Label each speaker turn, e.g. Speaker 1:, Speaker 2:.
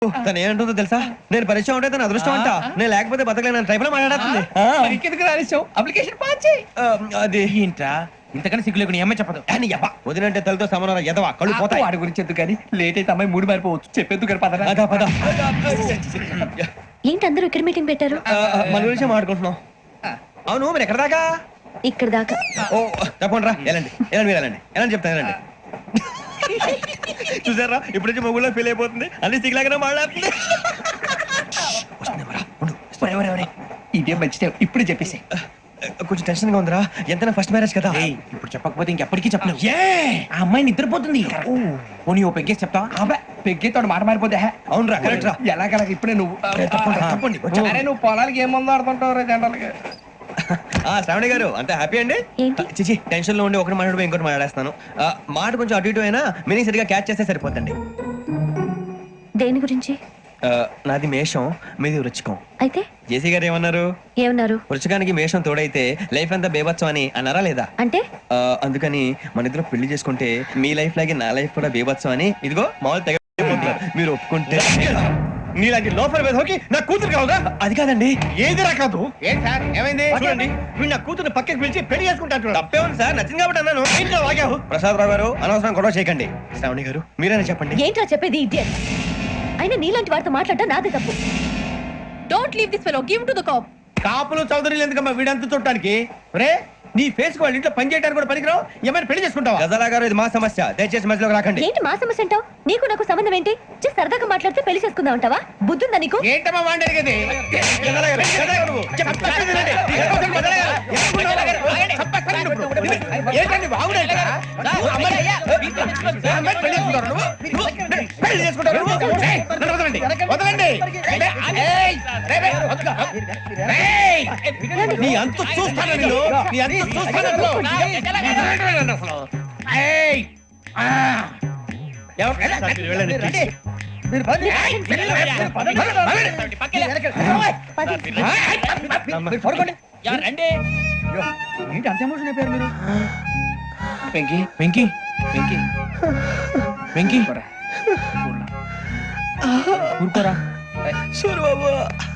Speaker 1: తను ఏమంటుందో తెలుసా? నేను పరిచయం ఉంటే తన అదృష్టం అంట, నేను లేకపోతే బతకలేను ట్రైబ్ లో మాట్లాడుతుంది.
Speaker 2: అప్లికేషన్ పాస్ చేయి.
Speaker 1: అది
Speaker 2: ఏంట్రా ఇంతకన్నా సిగ్గు లేకుండా ఏమై చెప్పదు.
Speaker 1: వదినంటే తలతో సమానం ఎదవా కళ్ళు పోతాయి.
Speaker 2: వాడి గురించి ఎందుకు కానీ లేట్ అయితే అమ్మాయి మూడు మారిపోవచ్చు. చెప్పేందుకు కానీ పద.
Speaker 1: అదా పద.
Speaker 3: ఏంటి అందరూ ఇక్కడ మీటింగ్ పెట్టారు?
Speaker 1: మన గురించి మాట్లాడుకుంటున్నాం. అవును మీరు ఎక్కడ దాకా?
Speaker 3: ఇక్కడ దాకా.
Speaker 1: ఓ తప్పకుండా రా, వెళ్ళండి వెళ్ళండి, మీరు వెళ్ళండి వెళ్ళండి, చెప్తాను వెళ్ళండి. చూసారా ఇప్పుడు నుంచి మొగుల్లో ఫీల్ అయిపోతుంది, అన్ని సిగ్లాగానే మాట్లాడుతుంది.
Speaker 2: ఇదే మంచిదే, ఇప్పుడు చెప్పేసి.
Speaker 1: కొంచెం టెన్షన్ గా ఉందిరా, ఎంతైనా ఫస్ట్ మ్యారేజ్ కదా.
Speaker 2: ఇప్పుడు చెప్పకపోతే ఇంకెప్పటికీ చెప్పలేవు. ఆ అమ్మాయి నిద్రపోతుంది. పోనీ ఓ పెగ్గేసి చెప్తావా? పెగ్గేతో మాట మారిపోతే.
Speaker 1: అవునరా, కరెక్ట్ రా.
Speaker 2: ఎలాగలా ఇప్పుడే నువ్వు
Speaker 1: తప్పండి.
Speaker 2: అరే నువ్వు పొలాలకి ఏం మందు ఆడుతుంటావు రే జనరల్గా.
Speaker 1: శ్రావణి గారు అంత హ్యాపీ అండి?
Speaker 3: ఏంటి?
Speaker 1: చిచి టెన్షన్ లో ఉండి ఒకటి మాట్లాడిపోయి ఇంకోటి మాట్లాడేస్తాను. మాట కొంచెం అటు ఇటు అయినా మీనింగ్ సరిగా క్యాచ్ చేస్తే సరిపోతండి.
Speaker 3: దేని గురించి?
Speaker 1: నాది మేషం, మీది వృచ్చికం.
Speaker 3: అయితే
Speaker 1: జేసీ గారు ఏమన్నారు?
Speaker 3: ఏమన్నారు?
Speaker 1: వృచ్చికానికి మేషం తోడైతే లైఫ్ అంతా బేబత్సం అని అన్నారా లేదా?
Speaker 3: అంటే
Speaker 1: అందుకని మన ఇద్దరు పెళ్లి చేసుకుంటే మీ లైఫ్ లాగే నా లైఫ్ కూడా బేబత్సం అని ఇదిగో మామూలు తెగ మీరు ఒప్పుకుంటే.
Speaker 4: నీలాంటి లోపల వేధోకి నా కూతురు కావుగా?
Speaker 1: అది కాదండి.
Speaker 4: ఏది రా కాదు?
Speaker 2: ఏంటి సార్ ఏమైంది?
Speaker 4: చూడండి వీడు నా కూతురు పక్కకి పిలిచి పెళ్లి చేసుకుంటాడు.
Speaker 1: తప్పే ఉంది సార్, నచ్చింది కాబట్టి అన్నాను.
Speaker 4: ఇంట్లో వాగావు.
Speaker 1: ప్రసాద్ రావు గారు అనవసరం గొడవ చేయకండి. శ్రావణి గారు మీరైనా చెప్పండి.
Speaker 3: ఏంట్రా చెప్పేది? ఇడియట్. అయినా నీలాంటి వారితో మాట్లాడటం నాదే తప్పు. Don't leave this fellow, give to the cop.
Speaker 4: కాపులు చౌదరులు ఎందుకమ్మా వీడంతా చూడటానికి? రే నీ ఫేస్ వాళ్ళ ఇంట్లో పని చేయడానికి కూడా పనికిరావు. ఏమైనా పెళ్లి చేసుకుంటావా?
Speaker 1: గజాలా గారు ఇది మా సమస్య, దయచేసి మధ్యలోకి రాకండి.
Speaker 3: ఏంటి మా సమస్య అంటావు? నీకు నాకు సంబంధం ఏంటి? జస్ట్ సరదాగా మాట్లాడితే పెళ్లి చేసుకుందాం అంటావా? బుద్ధుందా నీకు?
Speaker 2: ఏంటమ్మా వాడేది?
Speaker 1: గజాలా గారు, గజాలా గారు నువ్వు.
Speaker 4: చెప్పేది వినండి. ఏంటండి బాగుండేట? పెళ్లి చేసుకుంటారు నువ్వు? పెళ్లి చేసుకుంటారు నువ్వు? నన్ను వదలండి, వదలండి. నీ అంత చూస్తాను నేను, నీ అంత చూస్తాను అసలు. వెళ్ళండి.
Speaker 2: ఏంటి అంత ఎమోషన్ అయిపోయారు మీరు? వెంకీ వెంకీ వెంకీ వెంకీ ఊరుకోరా.
Speaker 1: సూరు బాబు